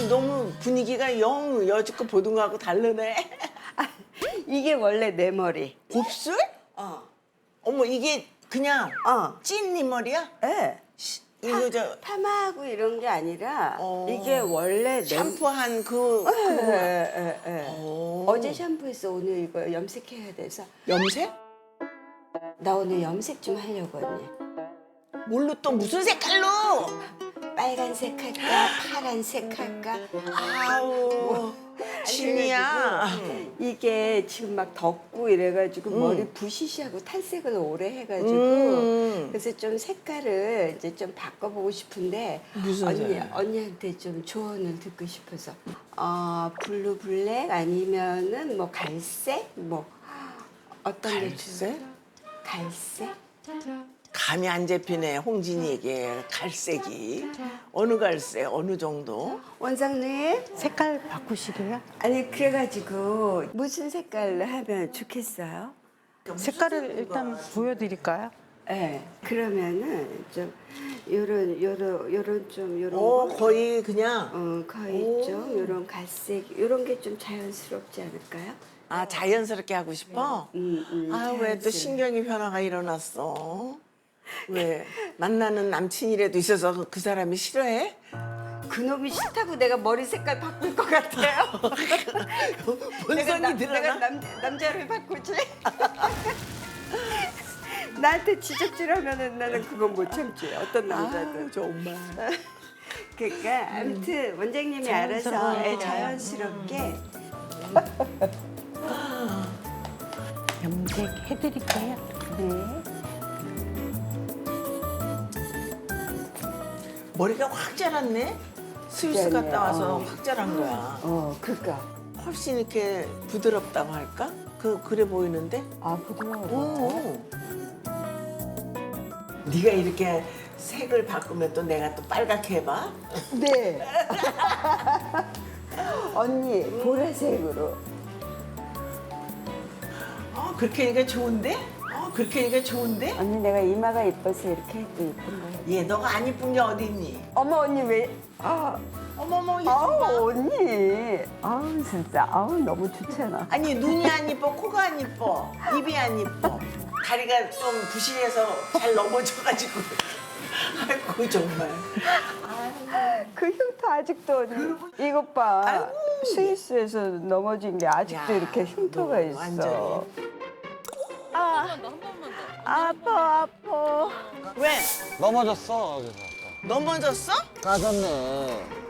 너무 분위기가 영 여지껏 보던 거하고 다르네. 이게 원래 내 머리. 곱슬? 어머 이게 그냥 찐 네 머리야? 예. 이거 저 파마하고 이런 게 아니라 이게 원래 내 샴푸한 그 어제 샴푸했어. 오늘 이거 염색해야 돼서. 염색? 나 오늘 염색 좀 하려고 언니. 뭘로 또 무슨 색깔로? 빨간색 할까? 파란색 할까? 아우 신이야. 이게 지금 막 덥고 이래가지고 머리 부시시하고 탈색을 오래 해가지고 그래서 좀 색깔을 이제 좀 바꿔보고 싶은데 무슨 색이야? 언니한테 좀 조언을 듣고 싶어서 블루 블랙 아니면은 뭐 갈색 뭐 어떤 게 갈색? 좋을까? 갈색? 감이 안 잡히네 홍진이에게 갈색이 어느 갈색 어느 정도? 원장님 색깔 바꾸시게요? 아니 그래가지고 무슨 색깔로 하면 좋겠어요? 색깔을 일단 보여드릴까요? 네. 그러면은 좀 요런 좀 요런 어 거? 거의 그냥 거의 좀 요런 갈색 요런 게 좀 자연스럽지 않을까요? 아 자연스럽게 하고 싶어? 아 왜 또 자연스러워. 신경이 변화가 일어났어? 왜 만나는 남친이라도 있어서 그 사람이 싫어해? 그놈이 싫다고 내가 머리 색깔 바꿀 것 같아요. 본성이 드러나? 내가 남자를 바꾸지? 나한테 지적질하면은 나는 그건 못 참지. 어떤 남자든. 아우 정말 그러니까 아무튼 원장님이 알아서 자연스럽게. 자연스럽게 염색 해드릴게요. 네. 머리가 확 자랐네? 스위스 자랐네. 갔다 와서 확 자란 거야 그니까. 훨씬 이렇게 부드럽다고 할까? 그래 보이는데? 부드러워. 오. 네가 이렇게 색을 바꾸면 또 내가 또 빨갛게 해봐? 네. 언니 보라색으로. 그렇게 하니까 좋은데? 그렇게 하니까 좋은데? 언니 내가 이마가 예뻐서 이렇게 해도 예쁜 거야. 얘 너가 안 이쁜 게 어딨니? 어머 언니 왜? 어머머 이거 아우 봐. 언니. 아우 진짜 너무 좋잖아. 아니 눈이 안 이뻐, 코가 안 이뻐, 입이 안 이뻐, 다리가 좀 부실해서 잘 넘어져가지고 아이고 정말. 그 흉터 아직도 언니. 이것 봐. 스위스에서 넘어진 게 아직도 야, 이렇게 흉터가 너 있어. 완전히. 아파. 왜? 넘어졌어 그래서 넘어졌어? 까졌네.